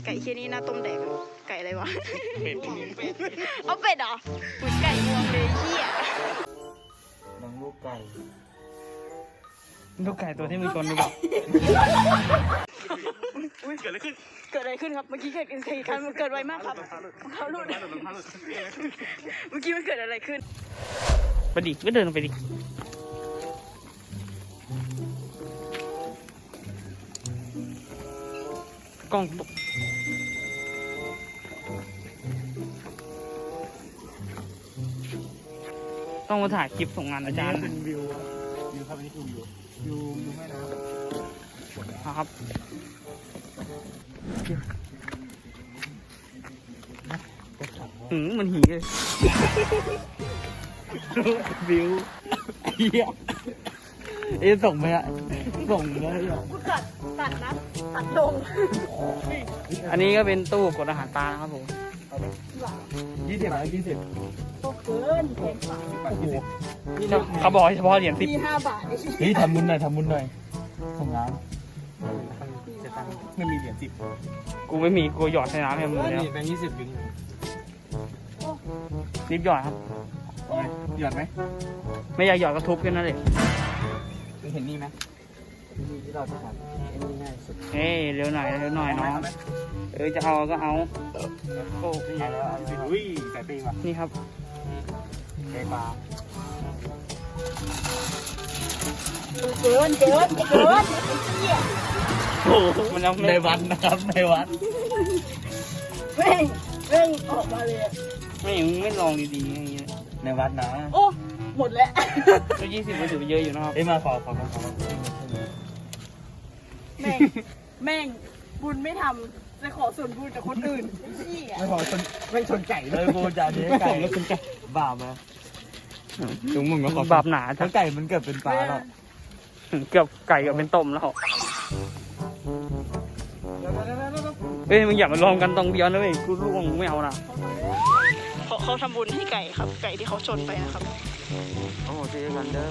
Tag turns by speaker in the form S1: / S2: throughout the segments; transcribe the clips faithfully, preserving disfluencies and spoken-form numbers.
S1: ไก่เชี่ยนี่หน้าต้มแดกไก่อะไรวะเอาเป็ดเหรอหุ่นไก่งวงเลยเชี่ย
S2: น้องลูกไก่
S3: ลูกไก่ตัวที่มีกลหรือเปล่า
S1: เกิดอะไรขึ้นเกิดอะไรขึ้นครับเมื่อกี้เกิดเหตุการณ์มันเกิดไวมากครับเขาหลุดเมื่อกี้มันเกิดอะไรขึ้น
S3: ไปดิก็เดินไปดิกล้องตกต้องมาถ่ายคลิปส่งงานอาจารย์
S2: เป็นวิววิวครับอันนี้คือวิววิววิวแม่น้ำ
S3: ครับหืมมันหีเลยวิวเฮียเอ๊ะส่งไหมอะส่งเลยอ่ะ
S1: ตัดตัดนะตัดลง
S3: อันนี้ก็เป็นตู้กดอาหารปลานะครับผม
S2: ยี่สิบอะไรยี่สิบ
S1: เกินเกินสาม
S2: โอ้โห
S3: เขาบอกเฉพาะเหรียญสิบ
S1: มีห้าบาท
S2: นี่ทำบุญหน่อยทำบุญหน่อยส่งน้ำไม่มีเหรียญสิบ
S3: กูไม่มีกูหยอดใส่น้ำให้มึงแล้ว
S2: แบงค์ยี่สิบบิง
S3: รีบหยอดครับ
S2: หยอดไหม
S3: ไม่อยากหยอดก็ทุบแค่นั้นเลย
S2: เห็นนี่ไหมนี่ที่เราจะทำอันนี้ง่ายสุด
S3: เอ้ยเร็วหน่อยเร็วหน่อยน้องเออจะเอาก็เอา
S2: โอ้ยแล้วอุ้ยไก่ปีว่ะ
S3: นี่ครับ
S2: ไก่ปลา
S1: เกินเกินเกิน
S3: โอ้มันเอา
S2: ในวัดนะครับในวัด
S1: เร่งเร่งออกมาเลย
S3: ไม่ไม่ลองดีๆอย่างเงี้ย
S2: ในวัดนะ
S1: โอ้หมดแล้ว
S3: ก็ยี่สิบมันถือเยอะอยู่นะครับ
S2: เอ้ยมาขอขอขอ
S1: แม่งแม่งบุญไม่ทำจะขอส่วนบุญจากคนอื่นพี่อ่ะ
S2: ไม่ขอชนไม่ชนไก่เลยบุญจากนี้ไก่แล้วชนไก่บาปไหมถึงมึงก็ขอบ
S3: าปหนา
S2: ทั้งไก่มันเกือบเป็นปลาแล้ว
S3: เกือบไก่เกือบเป็นต้มแล้วเอ้ยมึงอย่ามาลองกันตรงเดียวนะเว้ยกูร่วงไม่เอานะ
S1: เขาเขาทำบุญให้ไก่ครับไก่ที่เขาชนไปนะครับ
S2: โอ้โหเจ๊กันเด้อ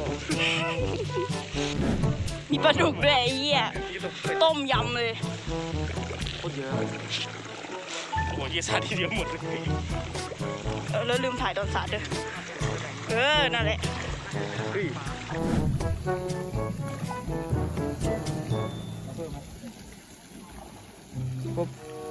S1: มีปลาดุกด้วยไอ้เหี้ยต้มยำเลย
S2: โคตรเยอะ
S3: โอ้โหยี่สาทีเดียวหมดเลย
S1: เออแล้วลืมถ่ายตอนสาดด้วยเออนั่นแหละ
S3: ปุ๊บ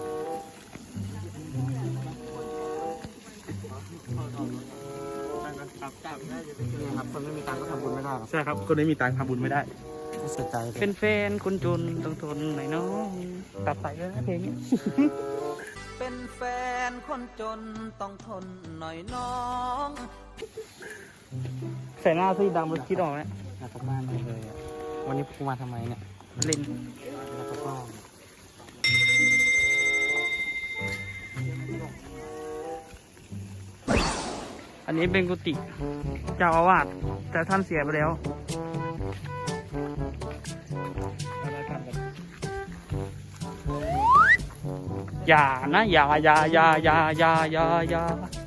S2: ครับคนไม่มีตังค์ก็ทำบุญไม่ได้
S3: ใช่ครับคนไม่มีตังค์ทำบุญไม่ได้
S2: เสียใจ
S3: เป็นแฟนคนจนต้องทนหน่อยน้องตัดไปแล้วนะเพลงนี้
S4: เป็นแฟนคนจนต้องทนหน่อยน้อง
S3: ใส่หน้าซีดำมันคิดออกไหม
S2: อยากกลับบ้านเลยอ่ะวันนี้กูมาทำไมเนี่ย
S3: เล่น
S2: แล้วก็
S3: อันนี้เป็นกุฏิเจ้าอาวาสแต่ท่านเสียไปแล้วอย่านะอย่าอย่าอย่าอย่าอย่าอย่าอย่า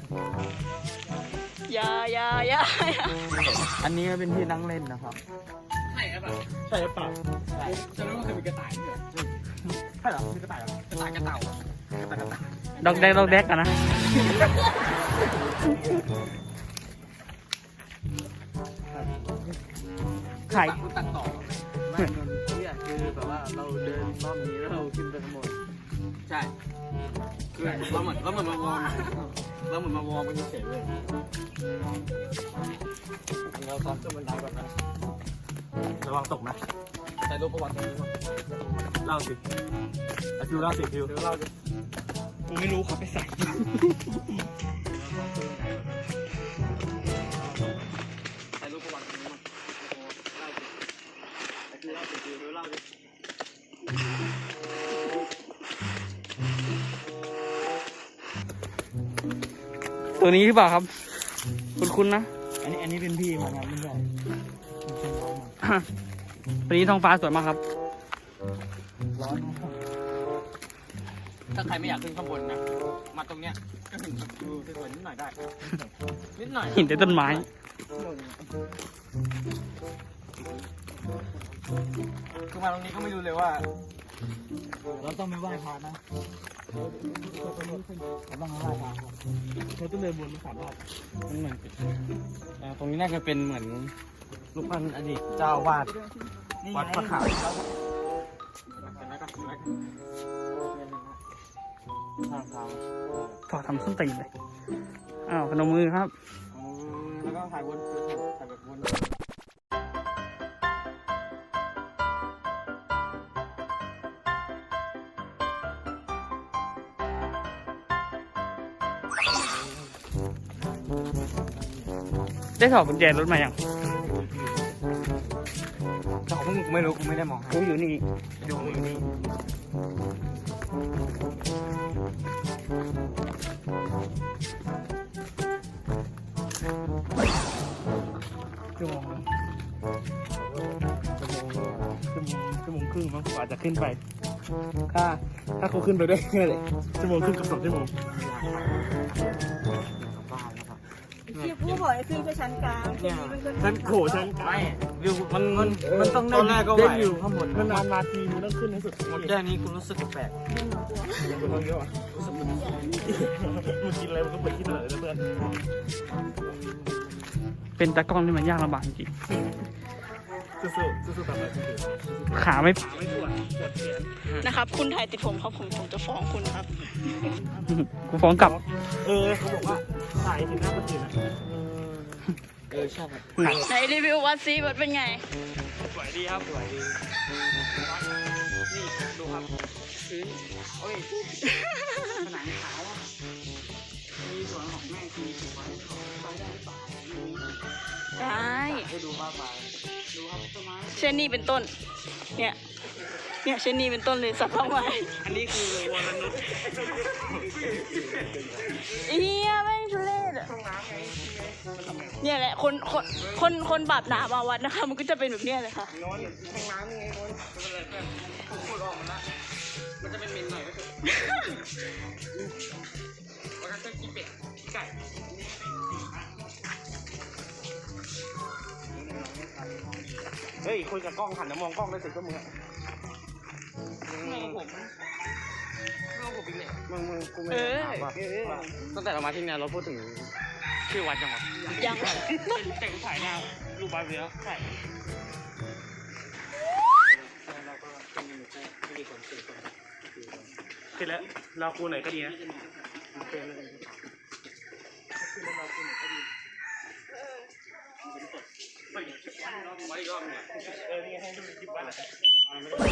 S1: อย่าอย่าอย่า
S2: อันนี้เป็นที่นั่งเล่นนะครับ
S3: ใช่ครับ
S2: ใช่หรือเปล่าจะรู้ว่าเคยมีกระต่ายด้วยใช่หรอมีกระต่ายหรอกระต่ายกระเต่ากระต่ายกระต่าย
S3: ดอกแดกดอกแดกกันนะไข่
S2: ตัดต่อไม่นนที่อ่ะคือแบบว่าเราเดินรอบนี้แล้วเราขึ้นไปข้างบนใช่คือเราเหมือนเราเหมือนมาวอร์มเราเหมือนมาวอร์มมันเฉยเลยเราซ้อมขึ้นบันไดแบบนั้นระวังตกนะแต่รูปประวัติตรงนี้มั้งเล่าสิไอฟิวเล่าสิฟิวเล่าสิ
S3: กูไม่รู้เขาไปใส่ตัวนี้หรือเปล่าครับคุณคุณนะ
S2: อันนี้อันนี้เป็นพี่มาครับไม่ใช่
S3: วันนี้ท้องฟ้าสวยมากครับ
S2: ร้อนถ้าใครไม่อยากขึ้นข้างบนนะมาตรงเนี้ยก็ถึงดูสวยๆนิดหน่อยได้นิดหน่อย
S3: หินแต่ต้นไม้
S2: คือมาตรงนี้ก็ไม่รู้เลยว่า
S3: เราต้องไม่ไหว้พระนะเราต้องไม่ไหว้พระเราต้องเดินบนสามรอบมันเหมือนอ่าตรงนี้น่าจะเป็นเหมือนรูปปั้นอดีตเจ้าวาดวัดพระขาวทางเท้า
S1: ถอดทำส้นตีนเลยอ้าวพนมมือครับ
S3: แล้วก็ถ่ายบนถ่ายแบบบน
S1: ได้ถอดกุญแจรถมาอย่าง
S3: แต่ของมึงกูไม่รู้กูไม่ได้มอง
S1: กูอยู่นี่
S3: ดูอยู่นี่
S1: ชั่วโมงชั่วโมงชั่วโมงครึ่งมั้งกว่าจะขึ้นไป ถ้าถ้าเขาขึ้นไปได้แค่เลยชั่วโมงครึ่งกับสองชั่วโมง
S5: ที่ผู้บอกให้ขึ้นไปชั้นกลางที่นี่มันก็
S1: ฉันโขฉัน
S3: ไม่วิวมันมันมันต้อง
S2: ตอนแรกก็ไหว
S3: ได้อยู่ข้างบน
S1: นานๆมาทีมึงต้องขึ้นให้สุด
S2: หมดแค่นี้กูรู้สึกแปลก
S1: มึงต้องเยอะอ่ะรู้สึกมึงมึงกินอะไรมึงก็ไปกินอะไรนะเพื่อนเป็นตากล้องที่มันยากลำบากจริงสู้ๆสู้ๆแบบไหนขาไม่ขาไม่ปวดปวดแขนนะครับ คุณถ่ายติดผมครับผมผมจะฟ้องคุณครับกูฟ้องกลับเออเขาบอกว่าถ่ายถึงหน้าคนอื่นนะ
S3: เออใช่ครับ
S1: ไหนรีวิววัดซีวัดเป็นไง
S2: สวยดีครับสวยดีนี่ดูครับพื้นโอ้ยผนังขาวอ่ะมีส่วนของแม่ทีถูกไว้ของไปได้หรือเปล่า
S1: ได้
S2: ให้ดูมากมายดูครับต้นไม้
S1: เช่นนี้เป็นต้น เนี่ย เนี่ยเช่นนี้เป็นต้นเลยสับเข้ามา
S2: อันนี้คือวรนุช
S1: เฮียแม่งทุเรศอะเนี่ยแหละคนคนคนคนบาปหนามาวัดนะคะ มันก็จะเป็นแบบเนี้ยเลยค่ะ
S2: นอนแทงน้ำยังไงนอนไม่เป็นไรเพื่อนผมพูดออกมาละมันจะเป็นมินหน่อยก็คือแล้วก็จะกินเป็ดไก่เฮ้ยคุยกับกล้องหันแล้วมองกล้องได้สิก็มึงอะมองผมมองผมอีกเนี่ยมึงมึงกูไม่ได้ถามว่าตั้งแต่เรามาที่เนี่ยเราพูดถึงชื่อวัดยังวะ
S1: ยัง
S2: แต่กูถ่ายหน้ารูปบ้านไปแล้วใช่เราก็เป็นหนึ่งคู่ไม่ดีคนสี่คนคือแล้วเราคู่ไหนก็ดีนะเป็นเลยคือเราคู่ไหนก็ดีไปไว้อีกรอบเนี่ยเออนี่ให้ดูคลิปไว้แหละ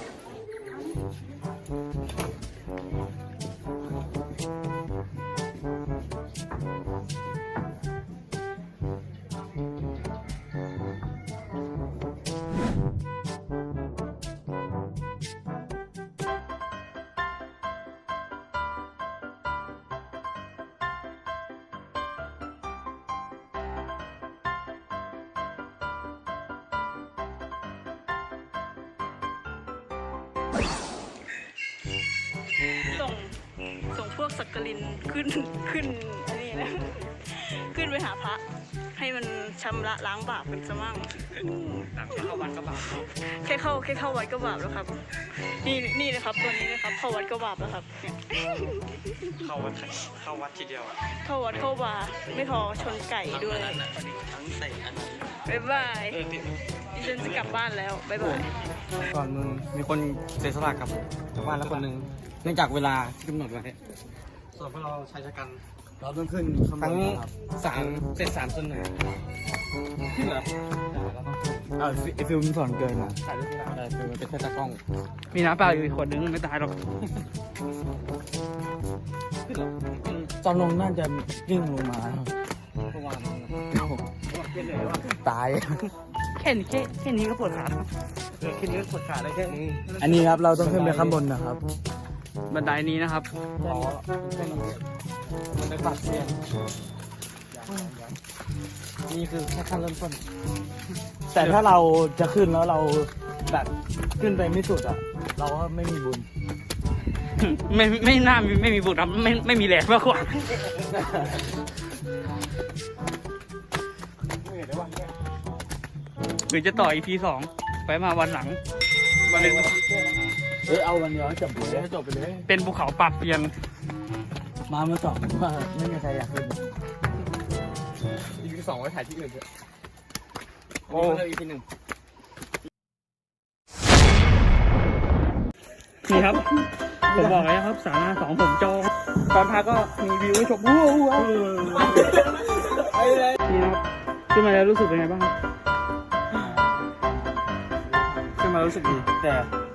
S1: ส่งส่งพวกสักกลินขึ้นขึ้นอันนี้นะขึ้นไปหาพระ ให้มันชำระล้างบาปเป็นสมั่ง
S2: หลังเข้าวัดก็บาป
S1: แค่เข้าแค่เข้าวัดก็บาปแล้วครับ นี่นี่นะครับตัวนี้นะครับ เข้าวัดก็บาปแล้วครับเนี่ย
S2: เข้าวัดเข้าวัดทีเดียว
S1: เข้าวัดเข้าบาร์ไม่พอชนไก่ด้วย
S2: ทั้งเตะอันนี้
S1: บ๊ายบาย
S2: เออติด
S1: ดิฉันจะกลับบ้านแล้วบ๊ายบาย
S3: ก่อนมึงมีคนเสียสละกับชาวบ้านแล้วคนหนึ่งเนื่องจากเวลาที่กำหนดไว้
S2: ส่วนพวกเราชายชะกัน
S3: เราต้องขึ้นทั้งสามเสร็จสามส่วนหนึ่งขึ้นเหรอเออไอฟิลมสอนเกินอ่ะถ่ายรูปไม่ได้ฟิลมันเป็นแค่ตากล้อง
S1: มีน้ำเปล่าอยู่อีกขวดนึงไม่ตายหรอก
S3: ขึ้นเหรอตอนลงน่าจะวิ่งลงมา
S2: ประมาณ
S3: ตาย
S1: แค่นี้แค่แค่นี้ก็ปวดขา
S2: เออคิดเรื่องปวดขาได้แค่นี้
S3: อันนี้ครับเราต้องขึ้นไปข้างบนนะครับ
S1: บันไดนี้นะครับ
S3: อ๋อมันเป็นปากเสียงนี่คือแค่ขั้นเริ่มต้นแต่ถ้าเราจะขึ้นแล้วเราแบบขึ้นไปไม่สุดอ่ะ เราก็ไม่มีบุญ
S1: ไม่ไม่น่ามีไม่มีบุญครับไม่ไม่มีแรงมากกว่าหรือจะต่อ อี พี สองไปมาวันหลังวันหนึ่ง
S3: เฮ้ยเอาวันเดียวให้จบไปเลยให้จบไปเลย
S1: เป็นภูเขาปรับเปลี่ยน
S3: มาเมื่อสองว่าไม่มีใครอยากขึ้นอีพีสองไว้ถ่ายที่อื่นเถอะ
S1: โอ้
S3: เลยอีพีหนึ่ง
S1: นี่ครับ ผมบอกเลยครับสาราสองผมจองตอนพักก็มีวิวให้ชมว้าวว้าวนี่นะครับขึ้นมาแล้วรู้สึกเป็นไงบ้างครับ
S3: ขึ้นมารู้สึกดีแต่